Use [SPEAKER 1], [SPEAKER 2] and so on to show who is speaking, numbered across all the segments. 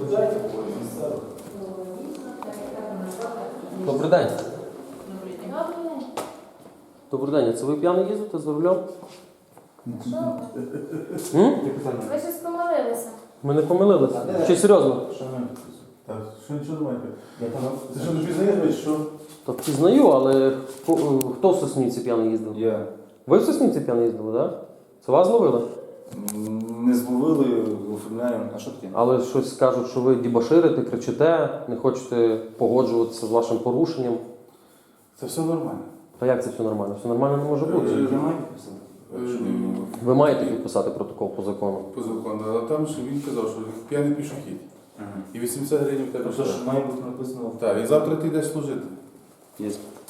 [SPEAKER 1] Добрий день. Добрий день. Це ви п'яний їздите за рулем?
[SPEAKER 2] Ви щось помилилися.
[SPEAKER 1] Ми не помилилися. Чи серйозно?
[SPEAKER 3] Так, що нічого немає? Ти що, не пізнаєш, що?
[SPEAKER 1] Так пізнаю, але хто в Соснівці п'яний їздив?
[SPEAKER 3] Я.
[SPEAKER 1] Ви в Соснівці п'яний їздили, так? Це вас ловили?
[SPEAKER 3] Не зловили, оформляємо. А що таке?
[SPEAKER 1] Але щось кажуть, що ви дібоширите, кричите, не хочете погоджуватися з вашим порушенням.
[SPEAKER 3] Це все нормально.
[SPEAKER 1] Та як це все нормально? Все нормально не може бути.
[SPEAKER 3] Я маю підписати.
[SPEAKER 1] Ви маєте підписати протокол по закону.
[SPEAKER 4] По закону, але там що він казав, що п'яний пішохід. І 80 гривень в тебе.
[SPEAKER 3] Тобто, що має бути написано.
[SPEAKER 4] Так, і завтра ти йдеш служити.
[SPEAKER 1] Є.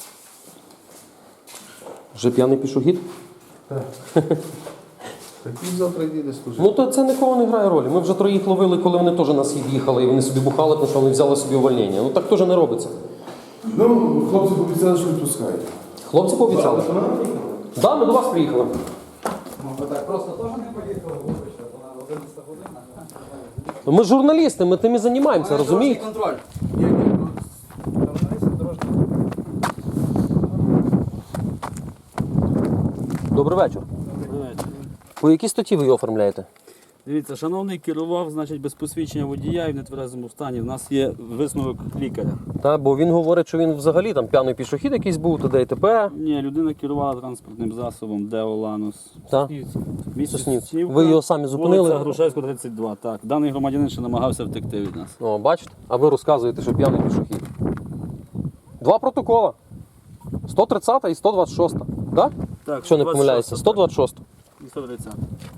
[SPEAKER 1] Вже п'яний пішохід?
[SPEAKER 4] Так він завтра йде служити.
[SPEAKER 1] Ну то це нікого не грає ролі. Ми вже троїх ловили, коли вони теж на схід їхали, і вони собі бухали, тому що вони взяли собі увольнення. Ну так теж не робиться.
[SPEAKER 4] Ну, хлопці пообіцяли, що відпускають.
[SPEAKER 1] Хлопці пообіцяли? Так, ми до вас приїхали.
[SPEAKER 5] Ви так просто теж не поїхали, вибачте, то на 11 година.
[SPEAKER 1] Ми журналісти, ми тим і займаємося, розумієте?
[SPEAKER 5] Контроль.
[SPEAKER 1] Добрий вечір. По якій статті ви його оформляєте?
[SPEAKER 6] Дивіться, шановний керував, значить, без посвідчення водія і в нетверезому стані. У нас є висновок лікаря.
[SPEAKER 1] Та, бо він говорить, що він взагалі там п'яний пішохід якийсь був, туди і т.п.
[SPEAKER 6] Ні, людина керувала транспортним засобом Део Ланус.
[SPEAKER 1] Та?
[SPEAKER 6] Місто
[SPEAKER 1] Соснівці. Ви його самі зупинили?
[SPEAKER 6] Вулиця Грушевського, 32, так. Даний громадянин ще намагався втекти від нас.
[SPEAKER 1] О, бачите? А ви розказуєте, що п'яний пішохід. Два протокола. 130 і 126. Так?
[SPEAKER 6] Так,
[SPEAKER 1] Якщо не помиляюся, 126.
[SPEAKER 6] І 130.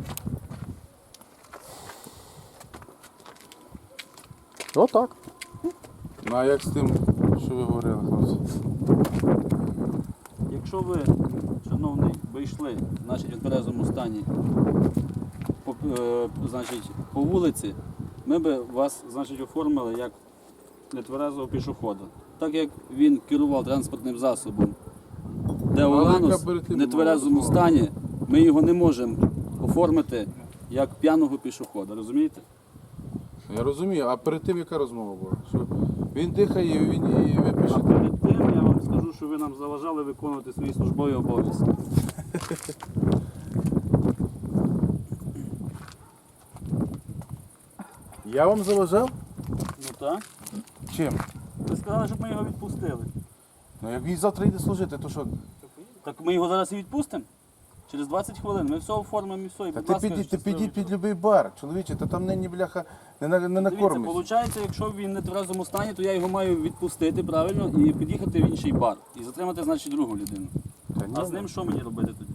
[SPEAKER 1] Отак.
[SPEAKER 4] Ну а як з тим, що ви говорили, хлопці?
[SPEAKER 6] Якщо ви, шановний, вийшли, значить, в тверезому стані по вулиці, ми би вас, значить, оформили як нетверезого пішохода. Так як він керував транспортним засобом Део Ланус в нетверезому стані, ми його не можемо оформити як п'яного пішохода, розумієте?
[SPEAKER 4] Я розумію, а перед тим яка розмова була? Що він дихає, і ви
[SPEAKER 6] А
[SPEAKER 4] пишете.
[SPEAKER 6] перед тим я вам скажу, що ви нам заважали виконувати свої службові обов'язки.
[SPEAKER 4] Я вам заважав?
[SPEAKER 6] Ну так.
[SPEAKER 4] Чим?
[SPEAKER 6] Ви сказали, щоб ми його відпустили.
[SPEAKER 4] Ну як він завтра йде служити, то що?
[SPEAKER 6] Так ми його зараз і відпустимо? Через 20 хвилин. Ми все оформимо і все. І,
[SPEAKER 4] Та
[SPEAKER 6] будь
[SPEAKER 4] ти
[SPEAKER 6] ласка,
[SPEAKER 4] підіть
[SPEAKER 6] щасливо.
[SPEAKER 4] під будь-який бар, чоловіче, та там нині бляха не
[SPEAKER 6] Дивіться,
[SPEAKER 4] накормиш.
[SPEAKER 6] виходить, якщо він не в тверезому стані, то я його маю відпустити, правильно, і під'їхати в інший бар. І затримати, значить, другу людину. А з ним що мені робити тоді?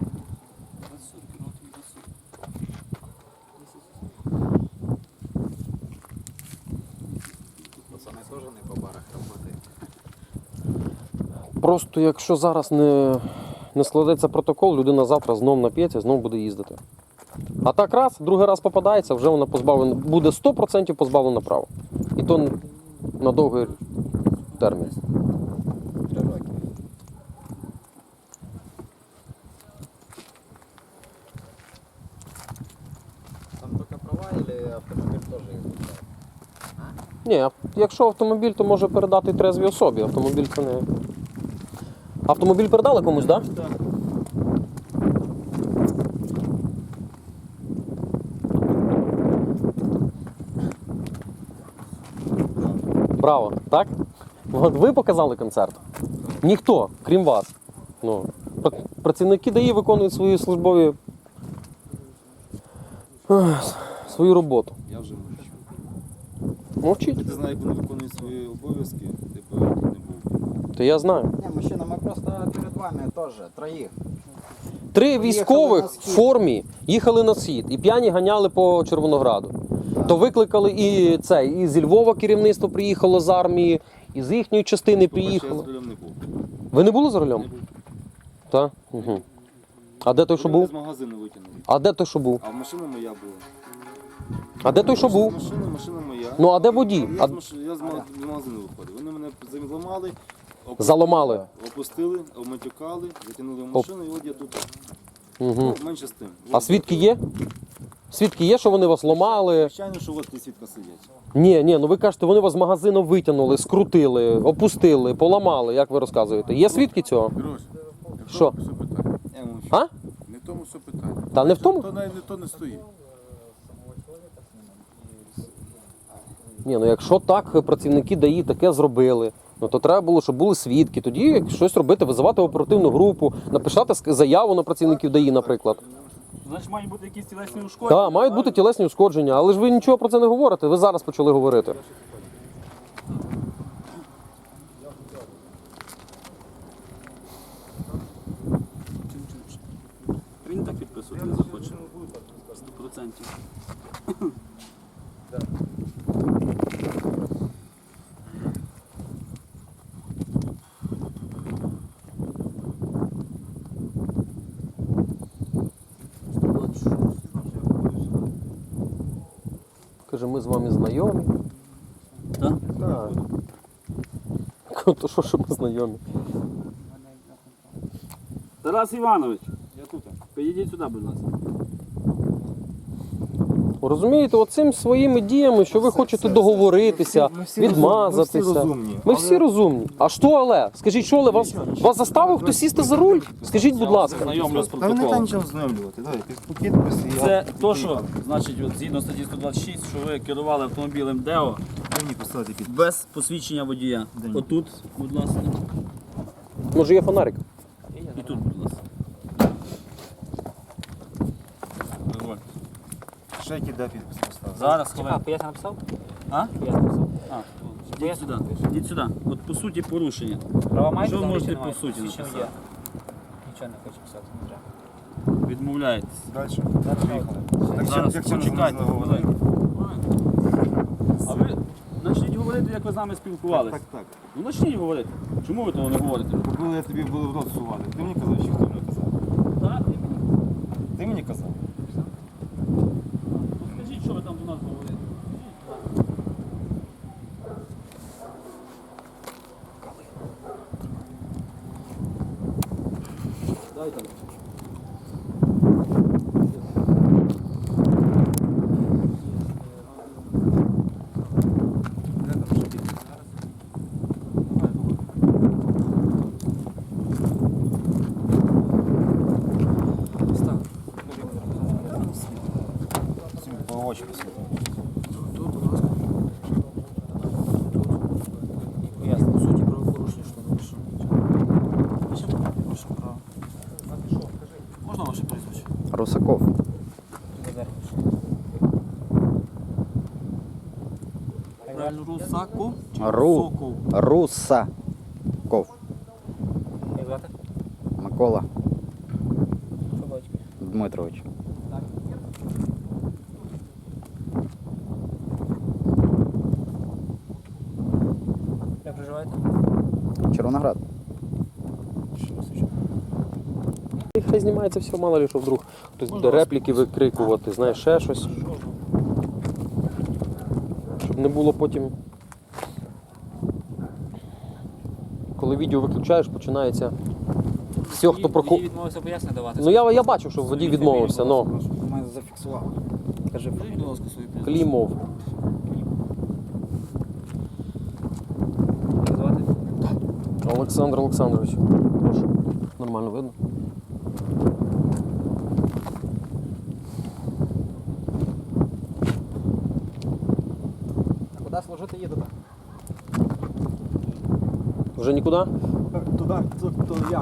[SPEAKER 5] Пацани теж не по барах роботи.
[SPEAKER 1] Просто якщо зараз не складеться протокол, людина завтра знов нап'ється, знов буде їздити. А так раз, другий раз попадається, вже вона позбавлена, буде 100% позбавлена права. І то на довгий термін.
[SPEAKER 5] 3 роки. Там тільки права или автомобіль теж їздить?
[SPEAKER 1] Ні, якщо автомобіль, то може передати трезвій особі. Автомобіль це не. Автомобіль передали комусь, так? Да?
[SPEAKER 6] Так.
[SPEAKER 1] Браво, так? От ви показали концерт? Ніхто, крім вас. Ну, працівники ДАІ виконують свої службові свою роботу.
[SPEAKER 7] Я вже мовчу.
[SPEAKER 1] Мовчіть.
[SPEAKER 7] Ти знаєш, як вони виконують свої обов'язки, типу не був.
[SPEAKER 1] То я знаю.
[SPEAKER 5] Ні, мужчина, ми просто перед вами теж, троїх.
[SPEAKER 1] 3 військових в формі їхали на схід і п'яні ганяли по Червонограду. То викликали і це, і зі Львова керівництво приїхало з армії, і з їхньої частини
[SPEAKER 7] По-перше, я
[SPEAKER 1] приїхало.
[SPEAKER 7] з рулем не був.
[SPEAKER 1] Ви не були за рулем?
[SPEAKER 7] Не був.
[SPEAKER 1] Так? Угу. А де той, що
[SPEAKER 7] Рулем
[SPEAKER 1] був?
[SPEAKER 7] з магазину витягнули.
[SPEAKER 1] А де той, що був?
[SPEAKER 7] А машина моя була.
[SPEAKER 1] А де той, що був?
[SPEAKER 7] Машина моя.
[SPEAKER 1] Ну, а де водій?
[SPEAKER 7] Я,
[SPEAKER 1] А-
[SPEAKER 7] з магазину виходив. Вони мене зламали,
[SPEAKER 1] Заламали.
[SPEAKER 7] опустили, обматюкали, затягнули в машину і от я тут.
[SPEAKER 1] Угу.
[SPEAKER 7] Ну, менше з тим.
[SPEAKER 1] А свідки є? Свідки є, що вони вас ламали?
[SPEAKER 7] Звичайно, що от ті свідка сидять.
[SPEAKER 1] Ні, ну ви кажете, вони вас з магазину витягнули, скрутили, опустили, поламали, як ви розказуєте. Є свідки цього?
[SPEAKER 4] Грош, не в
[SPEAKER 1] Що?
[SPEAKER 4] тому все питання.
[SPEAKER 7] Я вам
[SPEAKER 1] А?
[SPEAKER 4] Не в тому все питання.
[SPEAKER 1] Та не в тому?
[SPEAKER 4] То навіть то не стоїть.
[SPEAKER 1] Ні, ну якщо так працівники ДАІ таке зробили, ну то треба було, щоб були свідки. Тоді щось робити, визивати оперативну групу, написати заяву на працівників ДАІ, наприклад.
[SPEAKER 6] Значить, мають бути якісь тілесні ушкодження.
[SPEAKER 1] Так, мають бути тілесні ушкодження, але ж ви нічого про це не говорите, ви зараз почали говорити.
[SPEAKER 6] Він так підписувати не захоче. 100%.
[SPEAKER 1] Каже, ми з вами знайомі.
[SPEAKER 6] Так?
[SPEAKER 1] Так. То що ми знайомі?
[SPEAKER 6] Тарас Іванович, я тут. Підійдіть сюди, будь ласка.
[SPEAKER 1] Розумієте, оцим своїми діями, що ви хочете договоритися, відмазатися.
[SPEAKER 7] Ми всі розумні.
[SPEAKER 1] Ми всі розумні. А що але? Скажіть, що але? Вас заставив хтось сісти за руль? Скажіть, будь ласка.
[SPEAKER 6] Знайомлю з
[SPEAKER 7] Та ви не
[SPEAKER 6] протоколом.
[SPEAKER 7] нічого знайомлювати. Давайте, підпис і
[SPEAKER 6] Це то, що, значить, от, згідно статті 126, що ви керували автомобілем ДЕО
[SPEAKER 7] мені поставити підпис.
[SPEAKER 6] без посвідчення водія.
[SPEAKER 7] Де ні?
[SPEAKER 6] Отут, будь ласка.
[SPEAKER 1] Може є фонарик?
[SPEAKER 6] І тут, будь ласка. Дозвольте.
[SPEAKER 7] Ще який де підпис поставити.
[SPEAKER 6] Зараз хвилину.
[SPEAKER 2] Я написав?
[SPEAKER 6] А?
[SPEAKER 2] Я написав.
[SPEAKER 6] А, йдіть сюди. Йдіть сюди. От по суті порушення.
[SPEAKER 2] Права маєте?
[SPEAKER 6] Що ви
[SPEAKER 2] там,
[SPEAKER 6] можете
[SPEAKER 2] чи
[SPEAKER 6] по
[SPEAKER 2] немає?
[SPEAKER 6] суті
[SPEAKER 2] Посвідчення
[SPEAKER 6] написати?
[SPEAKER 2] є. Нічого не хочу писати, не треба.
[SPEAKER 6] Відмовляєтесь.
[SPEAKER 7] Далі.
[SPEAKER 2] Зараз
[SPEAKER 6] Зараз
[SPEAKER 7] як чим
[SPEAKER 6] почекайте.
[SPEAKER 7] говорити?
[SPEAKER 6] А ви почніть говорити, як ви з нами спілкувалися.
[SPEAKER 7] Так, так.
[SPEAKER 6] Ну почніть говорити. Чому ви того не говорите?
[SPEAKER 7] Коли я тобі буду в рот сували, ти мені казав, чи хто мені казав?
[SPEAKER 6] Так,
[SPEAKER 7] Ти мені казав?
[SPEAKER 6] скажіть, що ви там до нас говорите. Дайте.
[SPEAKER 7] По очі посвіти.
[SPEAKER 2] Ясно, по суті, правопорушення, що напишу.
[SPEAKER 7] Можна ваше прізвище?
[SPEAKER 1] Русаков.
[SPEAKER 6] Русаку.
[SPEAKER 8] Русаков.
[SPEAKER 2] Як звати?
[SPEAKER 8] Микола
[SPEAKER 2] Що батько?
[SPEAKER 8] Дмитрович.
[SPEAKER 2] Як проживаєте?
[SPEAKER 8] Червоноград.
[SPEAKER 1] І хай знімається все, мало ли, що вдруг хтось буде репліки викрикувати, знаєш, ще щось. Щоб не було потім. Коли відео виключаєш, починається все, хто про
[SPEAKER 2] Водій відмовився пояснення давати.
[SPEAKER 1] Ну я бачив, що водій відмовився, ну.
[SPEAKER 8] У мене зафіксував. Кажи,
[SPEAKER 6] Будь ласка, свої прізвище.
[SPEAKER 1] Клімов.
[SPEAKER 2] Як звати?
[SPEAKER 1] Олександр Олександрович. Прошу. Нормально видно?
[SPEAKER 5] Куди служити їдете?
[SPEAKER 1] Вже нікуди?
[SPEAKER 5] Туди, то як?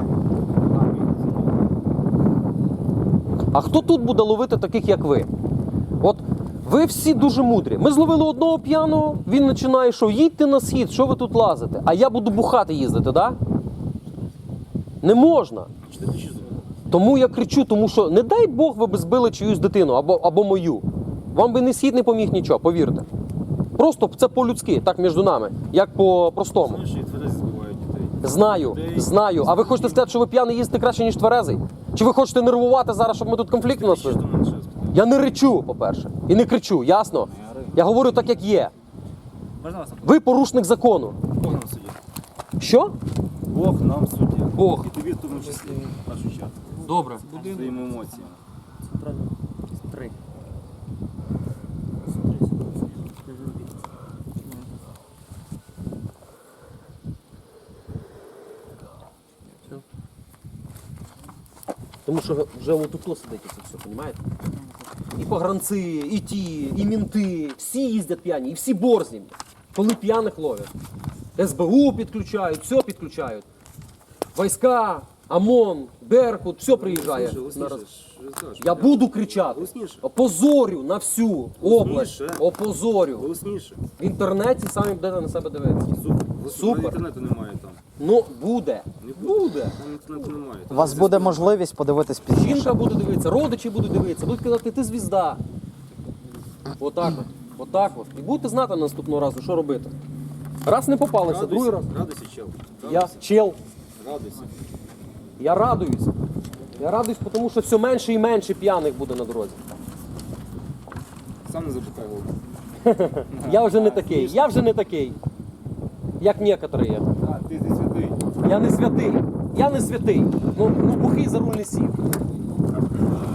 [SPEAKER 1] А хто тут буде ловити таких, як ви? От ви всі дуже мудрі. Ми зловили одного п'яного, він починає, що їдьте на схід, що ви тут лазите? А я буду бухати їздити, так? Да? Не можна. Тому я кричу, тому що не дай Бог ви б збили чиюсь дитину або мою. Вам би не схід не поміг нічого, повірте. Просто це по-людськи, так між нами, як по-простому.
[SPEAKER 7] Знаєш, і тверезі збивають дітей.
[SPEAKER 1] Знаю. А ви хочете сказати, що ви п'яний їздите краще, ніж тверезий? Чи ви хочете нервувати зараз, щоб ми тут конфлікт у нас?
[SPEAKER 7] Що до мене ще спитати?
[SPEAKER 1] Я не речу, по-перше. І не кричу, ясно? Я говорю так, як є.
[SPEAKER 2] Можна вас?
[SPEAKER 1] Ви порушник закону.
[SPEAKER 7] Бог нам суддя.
[SPEAKER 1] Що?
[SPEAKER 7] Бог нам суддя.
[SPEAKER 1] Бог.
[SPEAKER 7] І тобі в тому числі, в першу чергу.
[SPEAKER 1] Добре.
[SPEAKER 7] Своїми емоціями.
[SPEAKER 1] Тому що вже отут сидить це все, розумієте? І погранці, і ті, і мінти, всі їздять п'яні, і всі борзні, коли п'яних ловлять. СБУ підключають, все підключають. Війська, ОМОН, Беркут, все приїжджає. Я буду кричати. Опозорю на всю область. Опозорю.
[SPEAKER 7] Голосніше.
[SPEAKER 1] В інтернеті самі будете на себе дивитися. Супер.
[SPEAKER 7] Інтернету немає там.
[SPEAKER 1] Ну, буде. Буде.
[SPEAKER 7] Там інтернету немає.
[SPEAKER 8] У вас буде можливість подивитись пізніше.
[SPEAKER 1] Жінка буде дивитися, родичі будуть дивитися, будуть казати, ти звізда. Отак от. Отак от. І будете знати наступного разу, що робити. Раз не попалися, другий раз.
[SPEAKER 7] Радуйся, чел.
[SPEAKER 1] Я чел.
[SPEAKER 7] Радуйся.
[SPEAKER 1] Я радуюсь. Я радуюсь, тому що все менше і менше п'яних буде на дорозі.
[SPEAKER 7] Сам не запускай голову.
[SPEAKER 1] Я вже не такий. Я вже не такий. Як некоторі є.
[SPEAKER 7] А, ти святий.
[SPEAKER 1] Я не святий. Я не святий. Ну бухий за руль не сів.